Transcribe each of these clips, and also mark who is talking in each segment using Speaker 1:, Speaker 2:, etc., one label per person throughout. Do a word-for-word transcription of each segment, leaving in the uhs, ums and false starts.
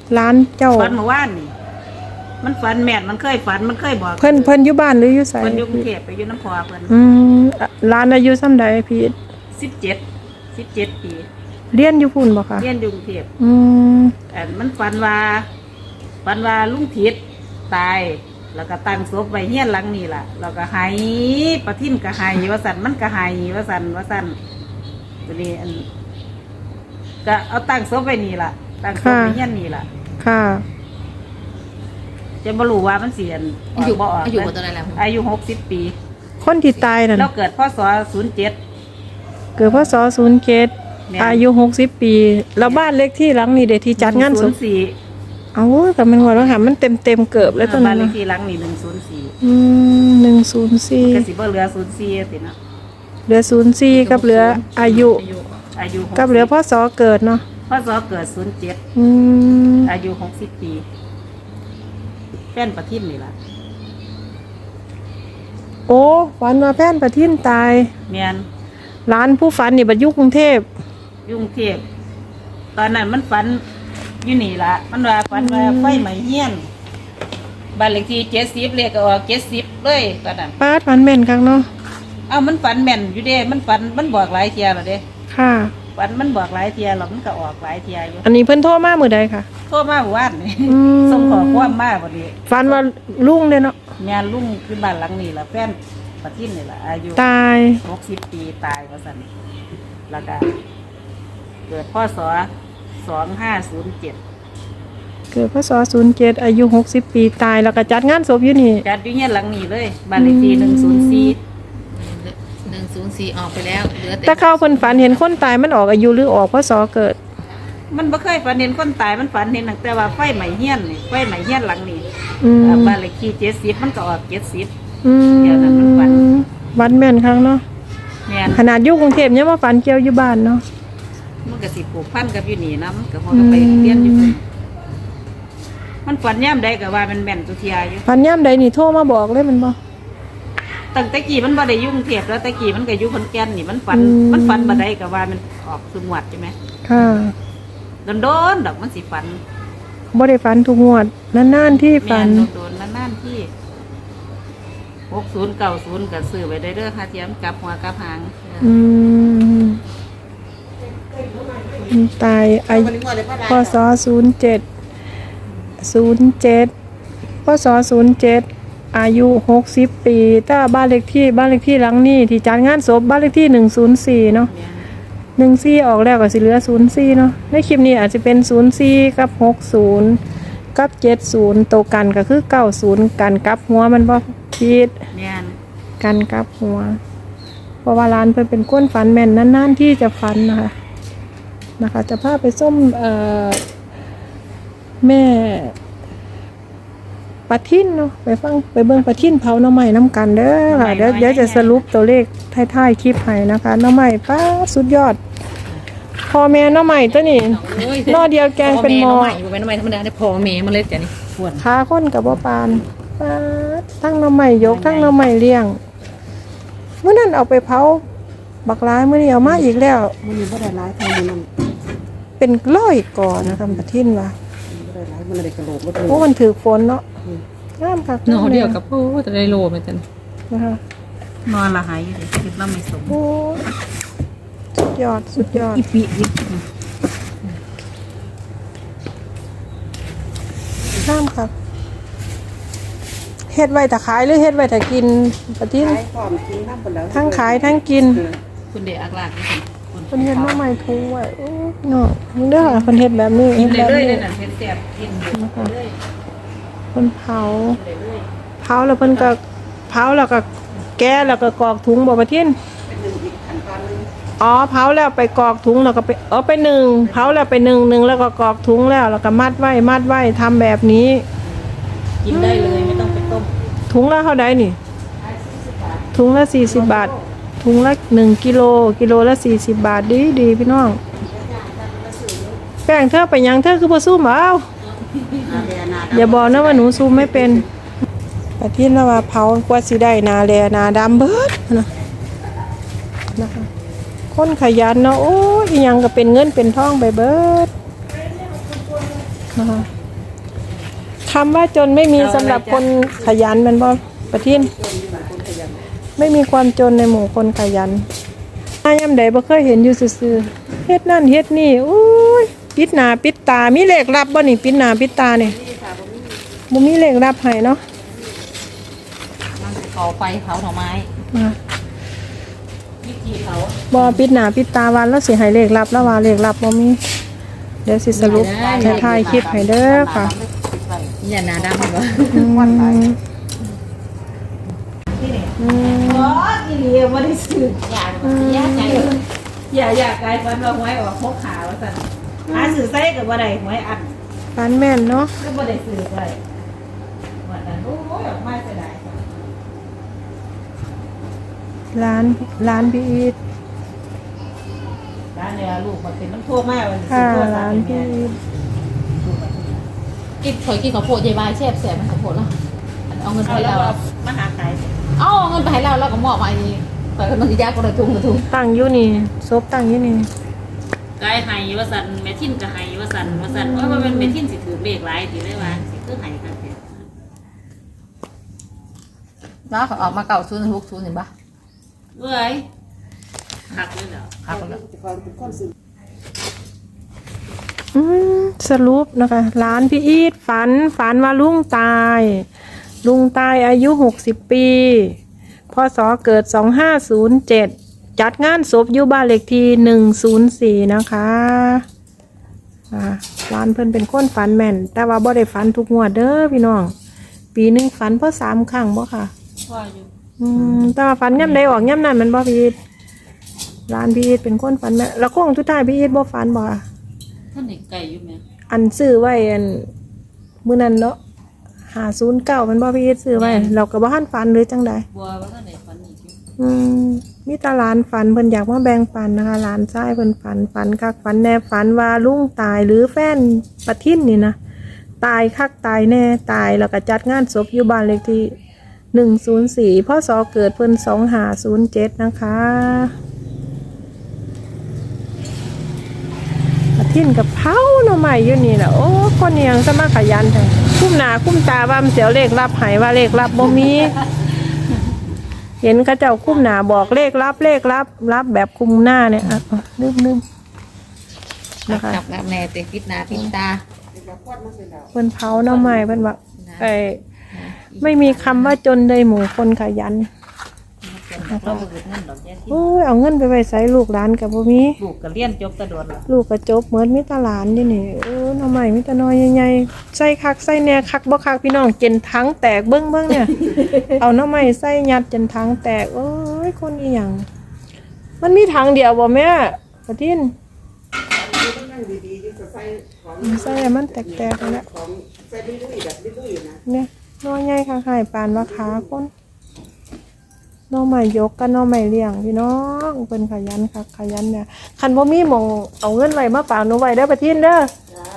Speaker 1: ร้านเจ้า
Speaker 2: ฝันเมื่อวานนี่มันฝันแม่นมันเคยฝันมันเคยบอก
Speaker 1: เพิ่นเพิ่นอยู่บ้านหรืออยู่ไส
Speaker 2: เพิ่นอยู่กรุงเทพไปอยู่น้ำพอเพิ่น
Speaker 1: อืมร้านอายุส่ำใดพี่
Speaker 2: สิบเจ็ด สิบเจ็ดปี
Speaker 1: เรียนอยู่พุ่นบ่คะ
Speaker 2: เรียนอยู่กรุงเทพ
Speaker 1: อืม
Speaker 2: อันมันฝันว่าฝันว่าลุงทิศตายแล้วก็ตั้งศพไว้เฮียนหลังนี่ล่ะแล้วก็หายประทินก็หายว่าสั่นมันก็หายว่าสั่นว่าสั่นตัวนี้อันก็เอาตั้งศพไว้นี่ล่ะตั้งศพไว้เฮียนนี่ล่ะ
Speaker 1: ค่ะ
Speaker 2: จะบ่รู้ว่ามันเสียน
Speaker 3: อายุ
Speaker 2: บ่ออก
Speaker 3: อายุบ่ตัวใดแล้ว
Speaker 2: อายุหกสิบปี
Speaker 1: คนที่ตายนั่น
Speaker 2: เราเกิดพศศูนย์เจ็ด
Speaker 1: เกิดพศศูนย์เจ็ดอายุหกสิบปีแล้วบ้านเล็กที่หลังนี่เด้ที่จัดงานศพเอ้าแต่มันว่าแล้วค่ะมันเต็มๆเกือบแล้วตอนนั้น
Speaker 2: บ้านเลขที่หลังนี่หนึ่งศูนย์สี่
Speaker 1: อืมหนึ่งศูนย์สี่
Speaker 2: ก็สิบ่เหลือศูนย์สี่สินะ
Speaker 1: เหลือศูนย์สี่กับเหลืออายุ
Speaker 2: อายุ
Speaker 1: กับเหลือพศเกิดเนาะ
Speaker 2: พศเกิดศูนย์เจ็ด
Speaker 1: อืม
Speaker 2: อายุหกสิบปีแฟนประทินนี่ล่ะ
Speaker 1: โอ้ฝันว่าแฟนประทินตาย
Speaker 2: แม่น
Speaker 1: ร้านผู้ฝันนี่บัดอยู่กรุงเทพ
Speaker 2: อยู่กรุงเทพตอนนั้นมันฝันอยู่นี่ล่ะมันว่าฝันว่าไฟไหม้เฮียนบ้านเลขที่เจ็ดสิบเลขก็ออกเจ็ดสิบเลยตอนนั้น
Speaker 1: ป้าฝันแม่นคักเนาะ
Speaker 2: เอ้ามันฝันแม่นอยู่เด้มันฝันมันบอกหลายเที่ยแล้วเด้
Speaker 1: ค่ะ
Speaker 2: ฝันมันบอกหลายเที่ยแล้วมันก็ออกหลายเที่ยอยู่
Speaker 1: อันนี้เพิ่นโทรมามื้อใดค่ะ
Speaker 2: โทรมาเมื่อวานนี่ส่งขอความมาบ่นี้
Speaker 1: ฝันว่าลุงเด้เนาะ
Speaker 2: งานลุงคือบ้านหลังนี้ล่ะแฟนประทินนี่ล่ะอายุ
Speaker 1: ตาย
Speaker 2: หกสิบปีตายว่าซั่นแล้วก็เกิดพศสองห้าศูนย์เจ็ด
Speaker 1: เกิดพศศูนย์เจ็ดอายุหกสิบปีตายแล้วก็จัดงานศพอยู่นี่
Speaker 2: จัดอยู่เฮียนหลังนี้เลยบ้านเลขที่หนึ่งศูนย์สี่
Speaker 3: หนึ่งศูนย์สี่ออกไปแล้วเหลือแต่
Speaker 1: แต่เขาเพิ่นฝันเห็นคนตายมันออกอายุหรือออกพศเกิด
Speaker 2: มันบ่เคยฝันเห็นคนตายมันฝันเห็นตั้งแต่ว่าไฟไหม้เฮียนนี่ไฟไหม้เฮียนหลังนี้บ้านเลขที่เจ็ดสิบมันก็ออกเจ็ดสิบเดี๋ยวนั้นมันฝัน
Speaker 1: วันแม่นครั้งเนาะ
Speaker 2: แม่น
Speaker 1: ขนาดอยู่กรุงเทพยังมาฝันเกี่ยวอยู่บ้านเนาะ
Speaker 2: มันก็สิผูกพันกับอยู่นี่นำก็พอก็ไปเรียนอยู่มันฝันย่ำใดก็ว่ามันแม่นตุเทียอยู่
Speaker 1: ฝันย่ำใดนี่โทรมาบอกเลยมันบ่
Speaker 2: ตั้งแต่กี้มันบ่ได้ยุ่งเทพแล้วแต่กี้มันก็อยู่ขอนแก่นนี่มันฝันมันฝันบ่ได้ก็ว่ามันออกสมวดใช่ไหม
Speaker 1: ค่ะ
Speaker 2: โดนๆดอกมันสิฝัน
Speaker 1: บ่ได้ฝันทุกงวดนานๆที่ฝัน
Speaker 2: โดนๆนานๆที่หกศูนย์เก้าศูนย์ก็ซื้อไว้ได้เด้อค่ะเทียมกลับหัวกลับหาง
Speaker 1: อืมตายอายุพศศูนย์เจ็ดศูนย์เจ็ดพศศูนย์เจ็ดอายุหกสิบปีถ้าบ้านเลขที่บ้านเลขที่หลังนี้ที่จัดงานศพบ้านเลขที่หนึ่งศูนย์สี่เนาะหนึ่งสี่ออกแล้วก็สิเหลือศูนย์สี่เนาะในคลิปนี้อาจจะเป็นศูนย์สี่กับหกศูนย์กับเจ็ดศูนย์โตกันก็คือเก้าศูนย์กันกับหัวมันบ่คิดกันกับหัวเพราะว่าร้านเพิ่นเป็นก้นฝันแม่นนานๆที่จะฝันนะคะนะคะจะพาไปส้มเอ่อแม่ปะทินเนาะไปฟังไปเบิ่งปะทินเผาหน่อไม้น้ำกันเด้อค่ะเดี๋ยวเดี๋ยวจะสรุปตัวเลขท้ายๆคลิปให้นะคะหน่อไม้ป้าสุดยอดพ่อแม่หน่อไม้ตัวนี้นอเดียวแกงเป็นหม้อ
Speaker 3: อยู่เป็นหน่อไม้ธรรมดาได้พ่อแม่มันเลยจ้ะนี่
Speaker 1: ปวดขาคนกับบ่ปานป้าทั้งหน่อไม้ยกทั้งหน่อไม้เลี้ยงเมื่อนั้นเอาไปเผาบักร้ายเมื่อนี้เอามาอีกแล้ว
Speaker 2: มื้อนี้บ่ได้หลายเท่ามื้อนั้น
Speaker 1: เป็นร้อยก่อนะคะปะทินว่า
Speaker 2: บ่ได้หลายมันได้กระโหลกบ่
Speaker 1: โอ้มันถือฝนเนาะงามคัก
Speaker 3: เนาะเดียวกับโอ้จะได้โลมั้ยจัง
Speaker 1: นะคะ
Speaker 2: นอนละหายอยู่ดิคิดว่าไม่สม
Speaker 1: โอ้สุดยอดสุดยอด
Speaker 2: อีปีอี
Speaker 1: งามครับเฮ็ดไว้ถ้าขายหรือเฮ็ดไว้ถ้ากินปะทินทั้งขายทั้งกิน
Speaker 2: คุณเดอักลากนี่
Speaker 1: คนเฮ็ดมาใหม่ทุงไว้โอ้เนาะมึงเด้อคนเฮ็ดแบบนี้
Speaker 2: เฮ็ดแบบนี้น่ะเฮ็ดแซ่บกินเลย
Speaker 1: คนเผาเผาแล้วเพิ่นก็เผาแล้วก็แก้แล้วก็กรอกถุงบ่ปะทินอ๋อเผาแล้วไปกรอกถุงแล้วก็ไปเอาไปนึ่งเผาแล้วไปนึ่งนึ่งแล้วก็กรอกถุงแล้วแล้วก็มัดไว้มัดไว้ทำแบบนี้
Speaker 2: กินได้เลยไม่ต้องไปต้ม
Speaker 1: ถุงละเท่าใดนี่ถุงละสี่สิบบาทถุงละหนึ่งกิโลกิโลละสี่สิบบาทดีดีพี่น้องแป้งเธอไปยังเธอคือบ่ซูมเอาอย่าบอกนะว่าหนูซูมไม่เป็นแต่ที่เราว่าเผากว่าสิได้นาแลนาดำเบิดนะนะคะคนขยันเนาะโอ้ยยังก็เป็นเงินเป็นทองไปเบิดนะคะคำว่าจนไม่มีสำหรับคนขยันแมันบ่ประทินไม่มีความจนในหมู่คนขยันอายามใดบ่เคยเห็นอยู่ซื่อๆเฮ็ดนั่นเฮ็ดนี่อุ้ยปิดหน้าปิดตามีเลขลับบ่นี่ปิดหน้าปิดตานี่บ่มีเลขลับให้เนาะ
Speaker 3: มันเผาไฟเผาหน่อไม้
Speaker 1: นะคะ
Speaker 2: วิธีเขา
Speaker 1: บ่ปิดหน้าปิดตาวันแล้วสิให้เลขลับแล้วว่าเลขลับบ่มีเดี๋ยวสิสรุปจะถ่ายคลิปให้เด้อค่ะ
Speaker 3: อย่าหนาดำเหรอ
Speaker 1: อืม
Speaker 2: ที่นี่
Speaker 1: อืม
Speaker 2: อ๋อที่นี่ไม่ได้ซื้ออยากอยากใจอย่าอยากกลายเป็นว่าหวยออกพกขาว่าสั่นหาซื้อใส่กับว่าใดหวยอัน
Speaker 1: ฟันแม่นเนาะ
Speaker 2: ก็บ่ได้ซื้อไว้วันนั้นโอ้ยออกมาเสียดาย
Speaker 1: ร้านร้านพี่อีท
Speaker 2: ร้านเนี่ยลูกมันเป็นน้ำท่วมมากวันนี้
Speaker 1: ค่ะ
Speaker 2: ซื้อตัว
Speaker 1: ร้านพี่อีท
Speaker 3: กินเคยกินข้าวโพดยายบายแซ่บแซ่บมันข้าวโพดแล้วเอาเงินไป
Speaker 2: เอาแล้
Speaker 3: แล้ว ว
Speaker 2: เอามาหาขาย
Speaker 3: เอาเงินไปให้เราแล้วก็มอบมาอีกไปกันมันจะยากกว่าทุ่งกระทุ่ง
Speaker 1: ตั้งอยู่นี่ซบตั้งอยู่นี่
Speaker 2: กายไห้ว่าสันแม่ทินก็ไห้ว่าสันว่าสันว่ามันเป็นแม่ทินสิถือเลขหลายสิได้ว่าสิคือไห้กันแท้
Speaker 3: แล้วเขาออกมาเก่าศูนย์หกศูนย์เห็นปะ
Speaker 2: เว้ยหักเลยเหรอ
Speaker 3: หักแล้ว
Speaker 1: อืมสรุปนะคะร้านพี่อีทฝันฝันว่าลุงตาย ลุงตายอายุหกสิบปีพศเกิดสองห้าศูนย์เจ็ดจัดงานศพอยู่บ้านเลขที่หนึ่งศูนย์สี่นะคะอ่าร้านเพิ่นเป็นคนฝันแม่น แต่ว่าบ่ได้ฝันทุกงวดเด้อพี่น้อง ปีหนึ่งฝันเพราะสามครั้งบ่ค่ะ
Speaker 2: พ่ออยู่
Speaker 1: อืมแต่ว่าฝันย่ำใดออกย่ำนั้นแมันบ่พี่อีทร้านพี่อีทเป็นคนฝันแม่นแล้วโค้งทุกท้ายพี่อีทบ่ฝันบ่ค่ะ
Speaker 2: ท่านเด็กไก่อยู่ไหม
Speaker 1: อันซื้อไว้อันมื้อนั้นเนาะหาศูนย์เก้ามันบ่พี่อีทซื้อไว้เราก็บ่ทันฝันหรือจังใด
Speaker 2: บัวว่าท่านเด็กฝันอีกอยู่
Speaker 1: อืมมีแตาหลานฝันเพิ่นอยากมาแบ่งปันนะคะหลานชายเพิ่นฝันฝันคักฝันแน่ฝันว่าลุงตายหรือแฟนปะทินนี่นะตายคักตายแน่ตายแล้วก็จัดงานศพอยู่บ้านเลขที่หนึ่งศูนย์สี่พศเกิดเพิ่นสองห้าศูนย์เจ็ดนะคะปะทินกับเผาหน่อใหม่อยู่นี่แหละโอ้คนเนียงสมาขยันจังคุ้มหน้าคุ้มตาว่ามันเสียวเลขรับใหายว่าเลขรับบ่มี เห็นเขาเจ้าคุ้มหนาบอกเลขรับเลขรับรับแบบคุมหน้าเนี่ยอ่ะอ่ะลืมลืมนะคะ
Speaker 3: จับกับแน่เตะพิษนาพิษตา
Speaker 1: เพิ่นเผาหน้าไม้เพิ่นว่าไอ้ไม่มีคำว่าจนในหมู่คนขยัน
Speaker 2: เราบ่เกิดเงินดอกแย่ที่
Speaker 1: โอ้ยเอาเงินไปไว้ใส่ลูกหลานกับบ่มี
Speaker 2: ลูกก็เรียนจบตะโดนแล้ว
Speaker 1: ลูกก็จบเหมือนมีแตาหลานนี่นี่เออหน้าไม้มีแตาน้อยใหญ่ๆใส่คักใส่แหน่คักบ่คักพี่น้องเจนทั้งแตกเบิ่งเบิ่งเนี่ย เอาหน้าไม้ใส่ยัดจนทั้งแตกโอ้ยคนอีหยังมันมีทางเดียวบ่แม่ปะทินใส่แล้วมันแตกๆแล้วเนี่ยน้อยใหญ่ค่ะหายปานว่าขาคนน้องใหม่ยกกันน้องใหม่เลี้ยงพี่น้องเป็นขยันค่ะขยันเนี่ยคันบ่มีหมองเอาเงินไว้มาฝากหนูไว้เด้อปะทินเด้อ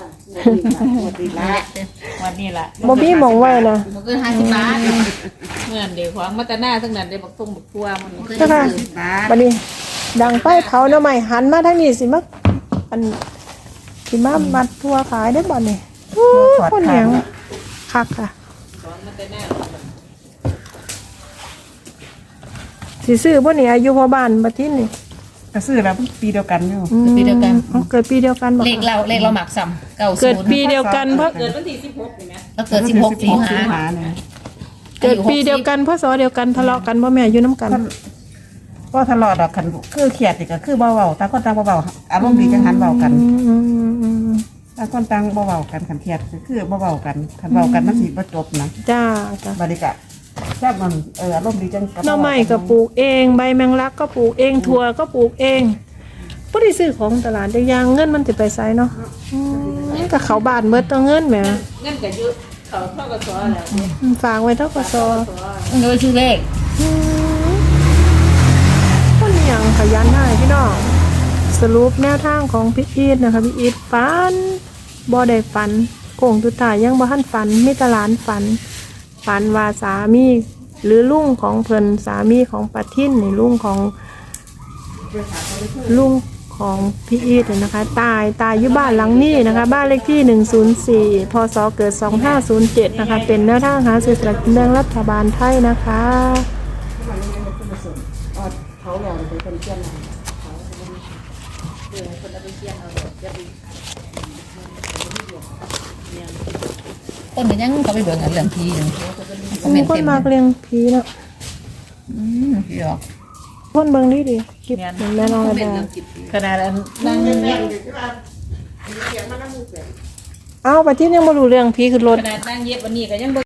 Speaker 2: วันนี้ล่ะ
Speaker 1: บ่มีหมองไว้นะ
Speaker 3: มันก็ห้าสิบบาท
Speaker 2: เงินเดี๋ยวของมาตาหน้าทั้งนั้นได้บักทุ่งบักทั่วมัน
Speaker 1: เจ้าค่ะบัดนี้ดังไฟเผาหน้องใหม่หันมาทางนี้สิมาอันสิมามัดทั่วขายได้บ่นี่โอ้ยคนเหนียวคักค่ะสิซื้อบ่นี่อายุพ่อบ้านปะทินนี่
Speaker 4: ก็ซื้อแล้วปีเดียวกันอยู่
Speaker 1: อืมอ๋อเกิดปีเดียวกันบ่
Speaker 3: เลขเราเลขเราหมักซ้ำเก่า
Speaker 1: เกิ
Speaker 3: ศู
Speaker 1: ด
Speaker 3: นย์
Speaker 1: ปีเดียวกันเพราะ
Speaker 2: เกิดวันที่สิบหกนี่นะ
Speaker 3: แล้วเกิดสิบหกสิงหา
Speaker 4: หาเนี่ย
Speaker 1: เกิดปีเดียวกันพศเดียวกันทะเลาะกันบ่แม่อยู่น้ำกัน
Speaker 4: ก็ทะเลาะดอกกันคือเครียดอีกก็คือเบาเบาต่างคนต่างเบาเบาอารมณ์ดีจังหันเบากัน
Speaker 1: อืมอืมอืมอืม
Speaker 4: ต่างคนต่างเบาเบากันขันเครียดก็คือเบาเบากันขันเบากันมันสิบ่จบนะ
Speaker 1: จ้าจ้า
Speaker 4: บริกะแซ่บมันเอออารมณ์ดีจัง
Speaker 1: หน่อไม้ก็ปลูกเองใบแมงลักก็ปลูกเองถั่วก็ปลูกเองบ่ได้ซื้อของตลาดได้ยางเงินมันสิไปไสเนาะอืมก็เขาบ้านเบิดตัวเงินแหม
Speaker 2: เงินก็เยอะเขาเท่ากับซอแล้ว
Speaker 1: อืมฝากไว้เท่ากับซอ
Speaker 3: โดยชื่อเลข
Speaker 1: อืมคนอหยังขยันได้พี่น้องสรุปแนวทางของพี่อีทนะคะพี่อีทฝันบ่ได้ฝันโค้งสุดท้ายยังบ่ทันฝันมีแตหลานฝัน ฝันว่าสามีหรือลุงของเพิ่นสามีของปะทินนี่ลุงของลุงขของพี่อีทนะคะ ตายตายอยู่บ้านหลังนี้นะคะ บ้านเลขที่หนึ่งศูนย์สี่พศเกิดสองห้าศูนย์เจ็ดนะคะเป็นแนวทางหาซื้อสลากกินแบ่งรัฐบาลไทยนะคะ
Speaker 4: เขาหล่อเป็นคนเชี่ยน
Speaker 3: ต้นก็ยังเขาไปเบิ่งอันเรื่องพีอยู่คอมเม
Speaker 1: มี
Speaker 3: นต์
Speaker 1: คน
Speaker 3: เต็ม
Speaker 1: มากเลี้ยงผีเนาะ
Speaker 3: อืมพี่หรอก
Speaker 1: คนเบิ่งดีดีคลิปเห็นแม่น้อง
Speaker 3: คอ
Speaker 1: ระ
Speaker 3: มเมน
Speaker 1: ดา
Speaker 3: ต์เรื่องจิต
Speaker 2: ขนาดอันนั่ง
Speaker 1: เอาไปที่ยังบ่รู้เรื่องผีขึ้นรถ
Speaker 2: ขนาดนั่งเย็บวันนี้ก็ยังบ่